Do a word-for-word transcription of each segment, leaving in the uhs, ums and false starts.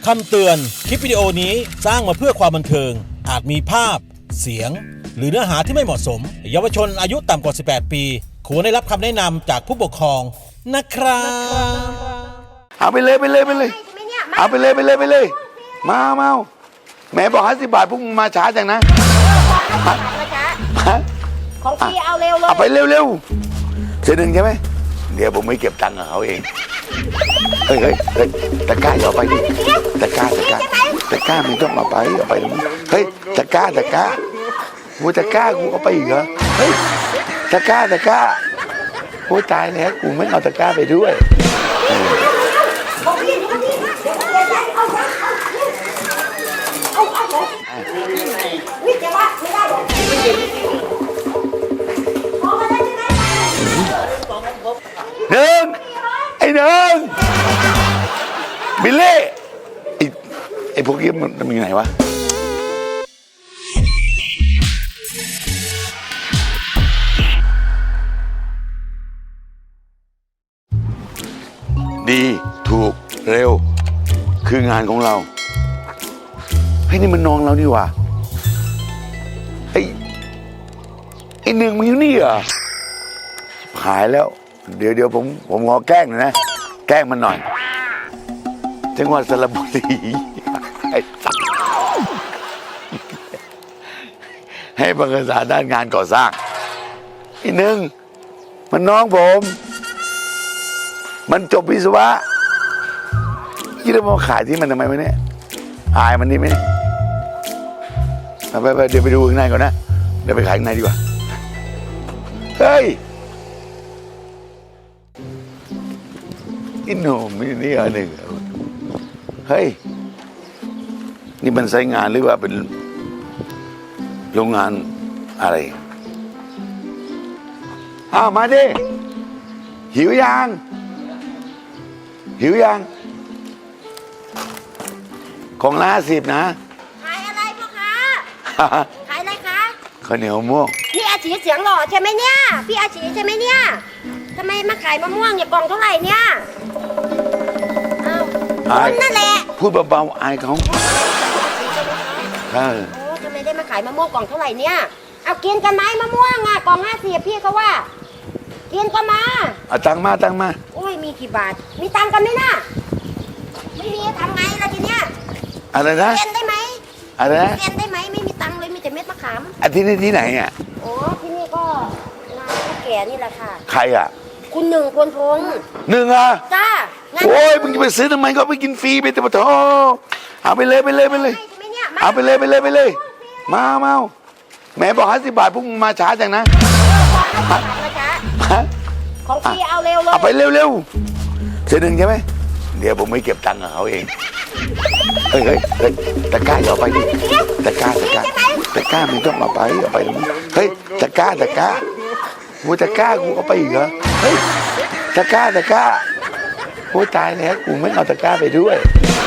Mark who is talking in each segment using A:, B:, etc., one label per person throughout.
A: คำเตือนคลิปวิดีโอนี้สร้างมาเพื่อความบันเทิงอาจมีภาพเสียงหรือเนื้อหาที่ไม่เหมาะสมเยาวชนอายุต่ำกว่าสิบแปดปีควรได้รับคำแนะนำจากผู้ปกครองนะครับ
B: เอาไปเลยไปเลยไปเลยเอาไปเลยไปเลยไปเลยมาเมาแม่บอกห้าสิบบาทพวกมึงมาช้าจังนะ
C: ของพี่เอาเร็วเลย
B: เอาไปเร็วเร็วเสียหนึ่งใช่ไหมเดี๋ยวผมไม่เก็บตังค์กับเขาเองเฮ้ยเฮ้ยเฮ้ยตะกร้าอย่าเอาไปดิตะกร้าตะกร้าตะกร้าไม่ต้องเอาไปเอาไปเฮ้ยตะกร้าตะกร้ากูตะกร้ากูเอาไปอีกเหรอเฮ้ยตะกร้าตะกร้าโอ้ตายแล้วกูไม่เอาตะกร้าไปด้วยหนึ่งไอ้หนึ่งบิลลี่ไอ้ไอ้พวกนี้มันมันอยู่ไหนวะดีถูกเร็วคืองานของเราไอ้นี่มันน้องเรานี่หว่าไอ้ไอ้หนึ่งมันอยู่นี่เหรอหายแล้วเดี๋ยวเดี๋ยวผมผมขอแกล้งหน่อยนะแกล้งมันหน่อยจังหวัดสระบุรีให้ประกาศด้านงานก่อสร้างอีกหนึ่งมันน้องผมมันจบวิศวะยี่เรามาขายที่มันทำไมวะเนี่ยอายมันนี่ไหมไปไปเดี๋ยวไปดูข้างในก่อนนะเดี๋ยวไปขายข้างในดีกว่าเฮ้ยอินโนมินี่อันหนึ่งเฮ้ยนี่มันใช้งานหรือว่าเป็นโรงงานอะไรอ้าวมาดิหิวยังหิวยังของละสิบนะ
C: ขายอะไรพ่อคะขายอะไรคะ
B: ข้าวเหนียวม่วง
C: นี่อาชีเสียงหล่อใช่ไหมเนี่ยพี่อาชีใช่ไหมเนี่ยทำไมมาขายมะม่วงเนี่ยกล่องเท่าไหร่เนี่ยอ้าวนั่นแหละ
B: พูดเบาๆอายเขา
C: ใช่โอ้ทำไมได้มาขายมะม่วงกล่องเท่าไหร่เนี่ยเอากินกันไหมมะม่วงอ่ะกล่องห้าสิบพี่เขาว่ากินก็มา
B: เอาตังมาตังมา
C: โอ้ยมีกี่บาทมีตังกันไหมน่ะไม่มีทำไงล่ะทีเนี้ย
B: อะไรนะ
C: เรียนได้ไหม
B: อะไรนะ
C: เรียนได้ไหมไม่มีตังเลยมีแต่เม็ดมะขาม
B: อันที่นี่ที่ไหนอ่ะ
C: อ๋อที่นี่ก็งานพ่อแก่นี่แหละค่ะ
B: ใครอ่ะ
C: คุณหนึ่งพลพงษ์
B: หนึ่งอ่ะ
C: จ้า
B: โอ้ยมึงจะไปซื้อทำไมก็ไปกินฟรีไปแต่ปะโถเอาไปเลยไปเลยไปเลยเอาไปเลยไปเลยไปเลยมาเมาแม่บอกห้าสิบบาทพวกมึงมาช้าจังนะ
C: ของพี่เอาเร็วเลย
B: เอาไปเร็วเร็วเสียหนึ่งใช่ไหมเดี๋ยวผมไม่เก็บตังค์กับเขาเองเฮ้ยเฮ้ยเฮ้ยตะกร้าอย่าเอาไปดิตะกร้าตะกร้าตะกร้าไม่ต้องเอาไปเอาไปเฮ้ยตะกร้าตะกร้ากูตะกร้ากูเอาไปอีกเหรอเฮ้ยตะกร้าตะกร้าโอ้ตายแล้วกูไม่เอาตะกร้าไปด้วย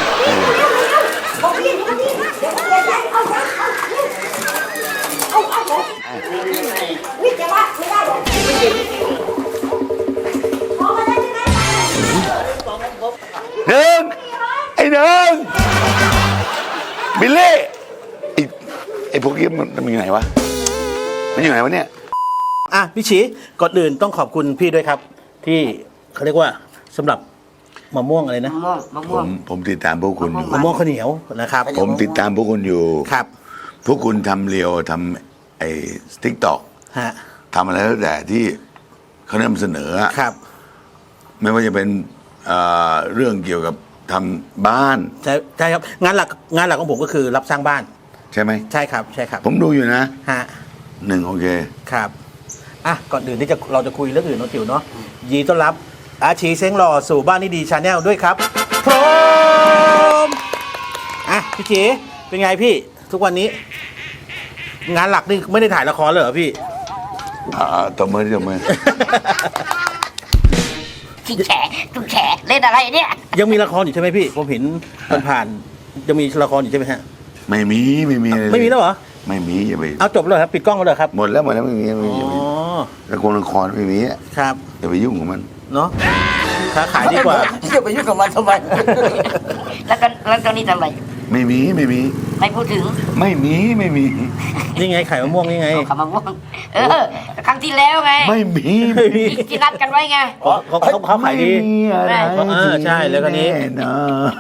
B: หนึ่งไอ้หนึ่งบิลลี่ไอ้ไอ้พวกนี้มันมันอยู่ไหนวะมันอยู่ไหนวะเนี่ย
A: อ่ะพี่ฉีก่อนอื่นต้องขอบคุณพี่ด้วยครับที่เขาเรียกว่าสำหรับมะม่วงอะไรนะ
B: มะม่วงผมผมติดตามพวกคุณอยู่
A: มะม่วงข้าวเหนียวนะครับ
B: ผมติดตามพวกคุณอยู่
A: ครับ
B: พวกคุณทำเรียวทำไอ้ทิกตอก
A: ฮะ
B: ทำอะไรแล้วแต่ที่เขานำเสนอ
A: ครับ
B: ไม่ว่าจะเป็นเรื่องเกี่ยวกับทำบ้าน
A: ใช่ใช่ครับงานหลักงานหลักของผมก็คือรับสร้างบ้าน
B: ใช่ไหม
A: ใช่ครับใช่ครับ
B: ผมดูอยู่นะ
A: ฮะ
B: หนึ่งโอเค
A: ครับอ่ะก่อนอื่นที่จะเราจะคุยเรื่องอื่นน้องจิ๋วเนาะยินดีต้อนรับอาชีเซ้งหล่อสู่บ้านนี่ดีชาแนลด้วยครับพร้อมอ่ะพี่จีเป็นไงพี่ทุกวันนี้งานหลักนี่ไม่ได้ถ่ายละครเลยเหรอพี่
B: อ่าตบมือตบมือ
C: จุกแฉจุกแฉเล่นอะไรเนี่ย
A: ยังมีละครอยู่ใช่ไหมพี่ผมเห็นผ่านๆยังมีละครอยู่ใช่ไหมฮะ
B: ไม่มีไม่มี
A: ไม่มีแล้วเหรอ
B: ไม่มีอย่าไป
A: เอาจบเลยครับปิดกล้องเลยครับ
B: หมดแล้วหมดแล้วไม่มีไม่มีละครละครไม่มี
A: ครับ
B: อย่าไปยุ่งกับมัน
A: เนาะคค้าขายดีกว่า
D: จะไปยุ่งกับมันทำไม
C: แล้วก็แล้วตอนนี้ทำอะไร
B: ไม่มีไม่มี
C: ไม่พูดถึง
B: ไม่มีไม่มี
A: นี่ไงไข่มะม่วงนี่ไง
C: ขามะม่วงเออครั้งที่แล้วไง
B: ไม่มี
C: ที่ที่นัดกันไว้ไง
A: เขาเขาเขาเขาขายดี
B: ไม่มีอะไร
A: เออใช่แล้วก็นี้
B: แน่นอน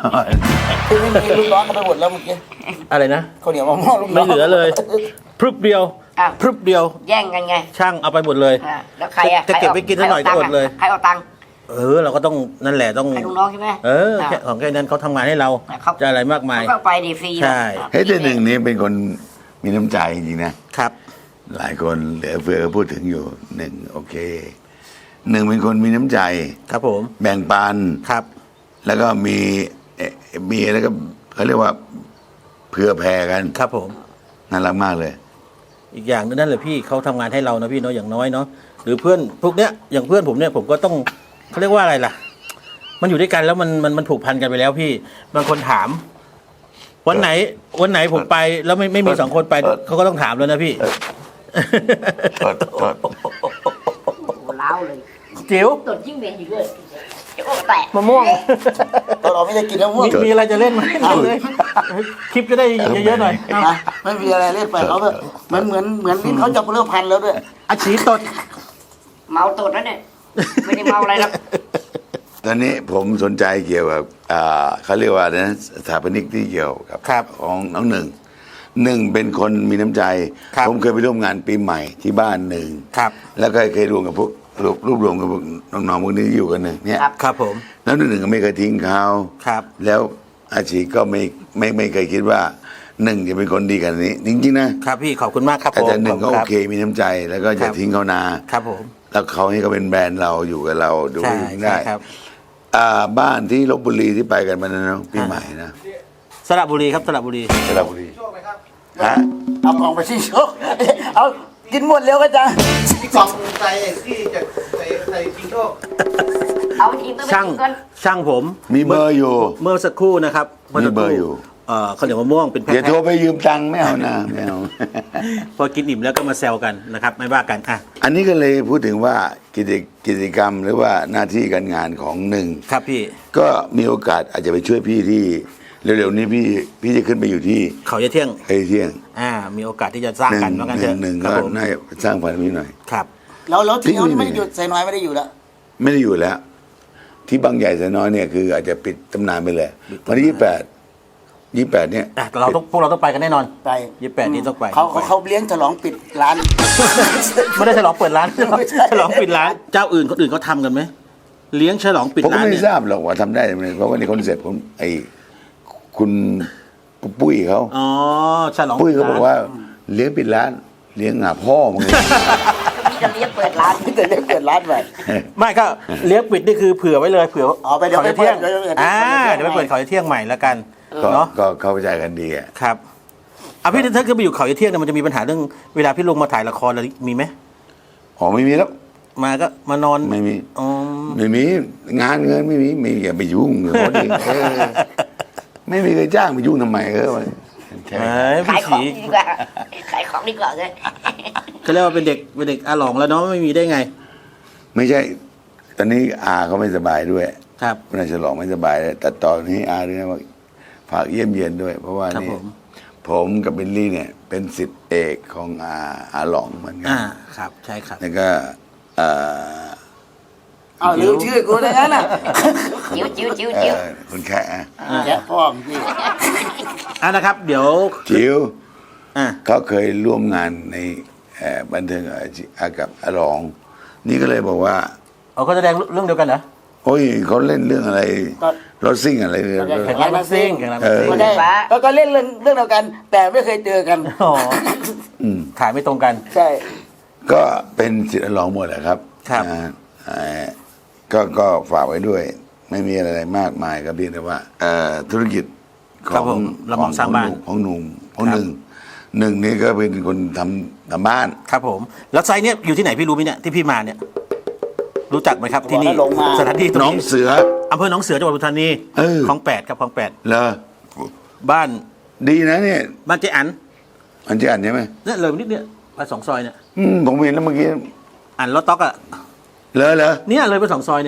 D: คือไม่มีลูกน้องกันไปหมดแล้วเมื่อกี้
A: อะไรนะ
D: เขาวเหนียวมะม่วงลูกน้
A: ไม่
D: อง
A: เหลือเลยพรึบเดียว
C: อ้าว
A: พรึบเดียว
C: แย่งกันไง
A: ช่างเอาไปหมดเลย
C: อ่าแล้วใครอ่ะ
A: จะเก็บไว้กินสักหน่อยก็อดเลย
C: ใครเอาตังค์
A: เออเราก็ต้องนั่นแหละต้อง
C: ใครลูกน้องใช่ไหม
A: เออแค่ของแค่นั้นเขาทำงานให้เรา
C: เขา
A: จะอะไรมากมาย
C: เขาก็ไปดีฟรีนะ
A: ใช่
B: เฮ้ยแต่หนึ่งนี้เป็นคนมีน้ำใจจริงๆนะครับ หลายคนเหลือเฟือก็พูดถึงอยู่หนึ่งโอเคหนึ่งเป็นคนมีน้ำใจ
A: ครับผม
B: แบ่งปัน
A: ครับ
B: แล้วก็มีเอ่อมีแล้วก็เขาเรียกว่าเผื่อแผ่กัน
A: ครับผม
B: น่ารักมากเลย
A: อีกอย่างนึงนั่นแหละพี่เขาทำงานให้เรานะพี่เนาะอย่างน้อยเนาะหรือเพื่อนพวกเนี้ยอย่างเพื่อนผมเนี่ยผมก็ต้องเขาเรียกว่าอะไรล่ะ มันอยู่ด้วยกันแล้วมันมันมันผูกพันกันไปแล้วพี่บางคนถาม วันไหน วันไหนผมไปแล้วไม่ไม่มีสองคนไปเขาก็ต้องถามแล้วนะพี่
B: โทษโทษ
C: โอ้โหล้าวเลย
A: จิ๋ว
C: ตดยิ่งเหม็นอยู่เลยโอ้แตะ
A: มะม่วง
D: ตอนเราไม่ได้กินแล้วม่วง
A: มีมีอะไรจะเล่นไหมเล่นเลยคลิปจะได้เยอะๆหน่อยเอา
D: นะไม่มีอะไรเล่นไปเขาแบบเหมือนเหมือนเหมือนลิ้นเขาจะเริ่มพันแล้วด้วย
A: อาชีตด
C: เมาตดแล้วเนี่ยไม่ได้เมาอะไรหรอก
B: ตอนนี้ผมสนใจเกี่ยวกับอ่าเขาเรียกว่านะสถาปนิกที่เกี่ยวกับ
A: ครับ
B: ของน้องหนึ่งหนึ่งเป็นคนมีน้ำใจ
A: ครับ
B: ผมเคยไปร่วมงานปีใหม่ที่บ้านหนึ่ง
A: ครับ
B: แล้วก็เคยรวมกับพวกรวบรวบรวมกับพวกน้องๆพวกนี้ที่อยู่กันหนึ่งเนี่ย
C: ครับ
A: ครับผม
B: แล้วหนึ่งก็ไม่เคยทิ้งเขา
A: ครับ
B: แล้วอาชีก็ไม่ไม่ไม่เคยคิดว่าหนึ่งจะเป็นคนดีกันนี้ จริงๆนะครับ
A: พี่ขอบคุณมากครับ
B: แต่
A: ผม
B: แต่หนึ่งก็
A: ขบ
B: โอ
A: ณรับ
B: เคมีน้ำใจ แล้วก็
A: ครั
B: จะ
A: บ
B: ทิ้งเขานา
A: ครับผม
B: แล้วเขาให้เขาเป็นแบรนด์เราอยู่กับเราดู
A: ใช่
B: ได้
A: ใช่ครับ
B: อ่าบ้านที่ลบบุรีที่ไปกันมานะเนาะปีใหม่นะ
A: สระบุรีครับสระบุรี
B: สระบุรีฮะ
D: เอากล่องไปที่โชคเอากินหมดแล้วก็จะ
E: กล่องใส่ที่จะใส่ใส่กินโชค
C: เอาทีมต้องไป
A: ช่าง
C: กินกัน
A: ช่างผม
B: มีเบอร์อยู่
A: เมื่อสักครู่นะครับ
B: มีเบอร์อยู่
A: เอ่อข้าวเหนียวมะม่วงเป็นแพ็ค
B: อย่าโทรไปยืมตังค์ไม่เอานะไม่เอา
A: พอกินอิ่มแล้วก็มาแซวกันนะครับ ไม่ว่ากันอ่ะ
B: อันนี้ก็เลยพูดถึงว่ากิจกิจกรรมหรือว่าหน้าที่การงานของหนึ่ง
A: ครับพี่
B: ก็มีโอกาสอาจจะไปช่วยพี่ที่เร็วๆนี้พี่พี่จะขึ้นไปอยู่ที่
A: เขาจะเที่ยง
B: ไอ้เที่ยง
A: อ่า มีโอกาสที่จะสร้าง
B: หนึ่ง
A: กันว่ากัน
B: ห
A: เถ
B: นึ่ง
A: อะ
B: หนึ่ง
A: ครั
B: ก็
A: บผม
B: น่าจะสร้างพันธุ์นี้หน่อย
A: ครับ
D: แล้วแล้วที่เขา
B: ที่
D: ไม่ได้อยู่ใส่น้อยไม่ได้อยู่แล้ว
B: ไม่ได้อยู่แล้ว ที่บางใหญ่แสนน้อยเนี่ยคืออาจจะปิดตำนานไปเลยวันที่ยี่แปดยี่แปดเนี่ย
A: อ่ะแต่เราต้องพวกเราต้องไปกันแน่นอน
D: ไป
A: ยี่สิบแปดนี้ต้องไป
D: เขาเขาเขาเลี้ยงฉลองปิดร้าน
A: ไม่ได้ฉลองเปิดร้าน
D: ไม่ใช่
A: ฉลองปิดร้าน เจ้าอื่นคนอื่นเขาทำกันไหมเลี้ยงฉลองปิด
B: ผมก็
A: ร้าน
B: ไม่
A: เนี่ย
B: ทราบหรอกว่าทำได้ไหมเพราะว่าในคอนเซ็ปต์ของไอ้คุณปุ้ยเขา
A: อ๋อฉลอง
B: ปุ้ย
A: ปิด
B: เขา
A: ร้น
B: บอกว่าเลี้ยงปิดร้าน เลี้ยงหาพ่อมึงเลย
C: มีจะเลี้ยงเปิดร้าน
D: แต่เลี้ยงเปิดร้านไป
A: ไม่ก็เลี้ยงปิดนี่คือเผื่อไว้เลยเผื่อ
D: อ๋อไปเดี๋ยว
A: ขาจะเที่ยง
D: ไปเดี๋ยวไปเดี๋ยว
A: อ่า
D: เดี๋
A: เดี๋ย
D: ยว ว
A: ไปเปิดเขาจะเที่ยงใหม่แล้วกัน
B: ก็
A: เนาะ
B: ก็เข้าใจกันดีอ่ะ
A: ครับอ่ะพี่ถ้าขึ้นไปอยู่เขาจะเที่ยงเนี่ยมันจะมีปัญหาเรื่องเวลาพี่ลงมาถ่ายละครอะไรมีไหม
B: อ๋อไม่มีแล้ว
A: มาก็มานอน
B: ไม่มี
A: อ๋อ
B: ไม่มีงานเงินไม่มีไม่อย่าไปยุ่งเลยเขาดิเออไม่มีใครจ้างไปยุ่งทำไมเออใช่ไหม
A: เอ้ย
C: ขา
A: พี่
C: ยของ
A: ฉี
C: ดีกว่าขายของดีกว่าเลย
A: เขาเรียกว่าเป็นเด็กเป็นเด็กอาหลองแล้วเนาะไม่มีได้ไง
B: ไม่ใช่ ตอนนี้อาเขาไม่สบายด้วย
A: ครับ
B: นายฉลองไม่สบายเลยแต่ตอนนี้อาเรียกว่าฝากเยี่ยมเยียนด้วย เพราะว่า
A: ครับ
B: นี่
A: ผม
B: ผมกับบิลลี่เนี่ย เป็นสิทธิเอกของอาอาหลองเหมือนกั
A: อ่าครับใช่ครับ
B: แล้วก็เอ่อ
D: เอาลืมชื่อกูได้งั้นน่ะ
C: จิ้วจิ้วจิ้ว
B: เอ่
C: จิ้ว
B: อคุณแค่อะ
D: แกะพ่อมึงพี่
A: อ่ะนะครับ เดี๋ยว
B: จิ๋ว
A: อ่ะ
B: เขาเคยร่วมงานในเอ่อบันเทิงอาชีพกับอาหลอง นี่ก็เลยบอกว่า
A: เอาเขาแสดงเรื่องเดียวกันเหรอ
B: โอ้ยเขาเล่นเรื่องอะไรรถซิ่งอะไรเนี่ย
A: แข่งรถบัสซิ่งแข่งรถบัสซิ่ง
D: ก็ได้ก็ก็เล่นเรื่องเรื่องเดียวกัน แต่ไม่เคยเจอกัน
A: อ๋อ
B: อืม
A: ขายไม่ตรงกัน
D: ใช่
B: ก็เป็นสิทธิ์อาหลองหมดแหละครับ
A: ครับ
B: อ่าเอ่อก็ก็ฝากไว้ด้วย ไม่มีอะไรมากมายก็เพียงแต่ว่าเอ่อธุรกิจข
A: ครั
B: อบ ง
A: ผมเรามองสร้างบ้าน
B: ของหนุ่มของ
A: ครับ
B: หนึ่งหนึ่งนี่ก็เป็นคนทำทำบ้าน
A: ครับผม แล้วไซต์เนี่ยอยู่ที่ไหนพี่รู้ไหมเนี่ยที่พี่มาเนี่ย รู้จักไหมครับที่นี่
D: บอกให้ลงมา
A: สถานที่ตรง
B: น้อง
A: นี้
B: เสือ
A: อำเภอหนองเสือจังหวัดปทุมธานี
B: เออ
A: คลองแปดครับคลองแปด
B: เหรอ
A: บ้าน
B: ดีนะเนี่ย
A: บ้านเจ๊อัน
B: อันที่อ่านใช่ไหม
A: เนี่ยเลยนิดเนี่ยไปสองซอยเนี่ย
B: อืมผมเห็นแล้วเมื่อกี้
A: อันรถต๊อกอะ
B: เลอเหรอ
A: เนี่ยเลยไปสองซอยเนี่ยฮะ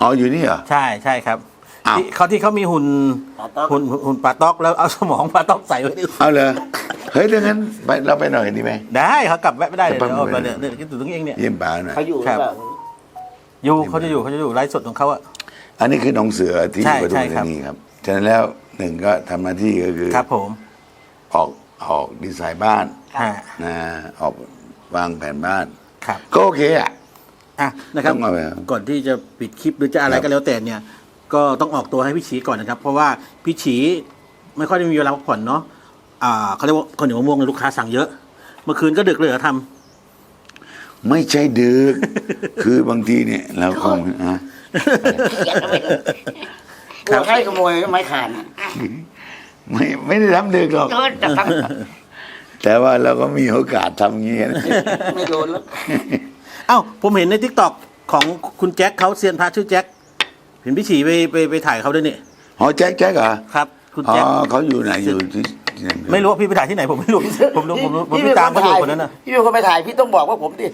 B: อ๋ออยู่นี่เหรอ
A: ใช่ใช่ครับ
B: อ้าว
A: ที่เขาที่เขามีหุ่น
D: ปลาต๊อก
A: หุ่นหุ่นปลาต๊อกแล้วเอาสมองปลาต๊อกใส่ไว้ดิ
B: เอาเลยเฮ้ยดังนั้นไปเราไปหน่อยดีไหม
A: ได้เขากลับแวะไม่ได้เลย
B: จะไป
A: เดี๋ยวเอาไป
B: ไหน
A: เดี๋ยวเดี๋ยวคิดถึงตรงนี้เองเนี่ย
B: เยี่ยมป่าหน่อย
D: เขาอยู่
A: ครับ
D: แบบ
A: อยู่เขาจะอยู่เขาจะอยู่ไลฟ์สดของเขาอะ
B: อันนี้คือน้องเสือที่
A: ใช่
B: ปทุ
A: ใช่
B: ม
A: ครั
B: ธา
A: บ
B: นีครับฉะนั้นแล้วหนึ่งก็ทำหน้าที่ก็คือ
A: ครับผม
B: ออกออกดีไซน์บ้าน
A: ฮะ
B: นะออกวางแผนบ้าน
A: ครับ
B: ก็โอเคอ่ะ
A: อ่ะนะครับ
B: ต้องเอาไปครับ
A: ก่อนที่จะปิดคลิปหรือจะอะไร
B: ครับ
A: ก็แล้วแต่เนี่ย ก็ต้องออกตัวให้พี่ฉีก่อนนะครับ เพราะว่าพี่ฉีไม่ค่อยได้มีเวลาพักผ่อนเนาะอ่าเขาเรียกว่าข้าวเหนียวมะม่วงเนี่ยลูกค้าสั่งเยอะ เมื่อคืนก็ดึกเลยเหรอท
B: ไม่ใช่ดึก คือบางทีเนี่ยเราคงฮะ
D: กลัวใครขโมยไม้ขาน
B: ไม่ไม่ได้ทำดึกหรอก
D: โดนจับทั้ง
B: แต่ว่าเราก็มีโอกาสทำอย่างนี้นะ
D: ไม่โดนแล้ว
A: ำเอ้าผมเห็นในทิกตอกของคุณแจ็คเขาเซียนพระชื่อแจ็คเห็นพี่ฉีไปไปไปถ่ายเขาด้วยนี่
B: อ๋อแจ็คแจ็คเหรอ
A: ครับ คุณ
B: อ๋อ
A: แจ็ค
B: เขาอยู่ไหนอยู่ที่ที่ไหน
A: ไม่รู้ว่าพี่ไปถ่ายที่ไหนผมไม่รู้ ผมรู้ผมรู้ผมติดตามเขาอยู่คนนั้นน่ะ
D: พี่เป็นคนไปถ่ายพี่ต้องบอกว่าผมดิ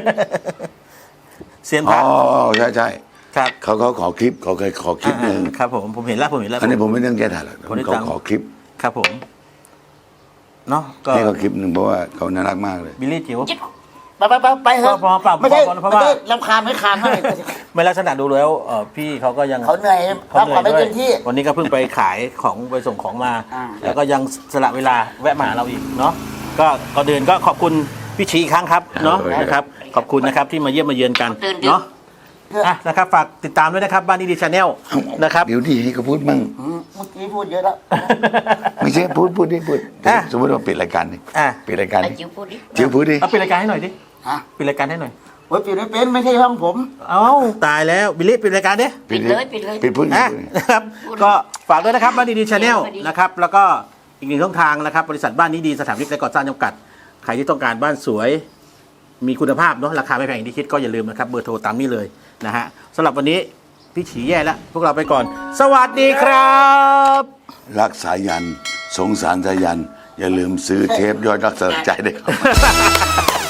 A: เซียนพ
B: อ๋
A: ระ
B: อใช่ใช่
A: ครับ
B: เขาเขาขอคลิปเขาเคยขอคลิปหนึ่ง
A: อ่าครับผมผมเห็นแล้วผมเห็นแล้ว
B: อันนี้ผมไม่ต้องแก้ถ่ายหรอก
A: ผมได้
B: เขา
A: ตังค์
B: ขอคลิป
A: ครับผมเนาะก็
B: ให้เขาคลิปหนึ่งเพราะว่าเขาน่ารักมากเลย
A: บิลลี่จิ๋ว
D: ไปไปไปไปเถอะ
A: พอพอ
D: ไม่ใช่
A: พอเพราะว่า
D: ไม่ใช่ลำคาญไม่คานให้
A: ไม่ลักษณะดูแล้วเออพี่เขาก็ยัง
D: เขาเหนื่อย
A: เขา
D: พัก
A: เหนื่
D: ผ่
A: อ
D: อน
A: ย
D: ไม่
A: ด้วย
D: เต็มที่
A: วันนี้ก็เพิ่งไปขายของไปส่งของมา
D: อ่า
A: แล้วก็ยังสละเวลาแวะมาหาเราอีกเนาะก็ก่อนอื่นก็ขอบคุณพี่ชีอีกครั้งครับเนาะนะครับ ขอบคุณนะครับที่มาเยี่ยมมาเยือนกันเนาะอ่ะนะครับฝากติดตามด้วยนะครับบ้านนี้ดีชาแนลนะครับ
B: เดี๋ยวดีให้เขาพูดมั่ง
D: อืมเมื่อกี้พูดเยอะแล้ว
B: ไม่ใช่พูดพูดดิพูด
A: อ่ะ
B: สมมติว่าปิดรายการดิ
A: อ่ะ
B: ปิดรายการดิ
C: จิ๋วพูดดิ
B: จิ๋วพูดดิ
A: เอาปิดรายการให้หน่อยดิ
D: ฮะ
A: ปิดรายการให้หน่อย
D: โอ้ยปิดไม่เป็นไม่ใช่ช่องผม
A: เอ้าตายแล้วบิลลี่ปิดรายการดิ
C: ปิดเลยปิดเลย
B: ปิดพูดดิ
A: อ่ะ
B: พูดดิ
A: นะครับก็ฝากด้วยนะครับบ้านนี้ดีชาแนลนะครับแล้วก็อีกหนึ่งช่องทางนะครับบริษัทบ้านนี้ดีสถาปนิกและก่อสร้างจำกัดใครที่ต้องการบ้านสวย มีคุณภาพเนาะราคาไม่แพงอย่างที่คิดก็อย่าลืมนะครับเบอร์โทรตามนี้เลยนะฮะสำหรับวันนี้พี่ฉีแย่แล้วพวกเราไปก่อน สวัสดีครับ
B: รักสายัน สงสารสายัน อย่าลืมซื้อเทปยอดรักสลักใจด้วยครับ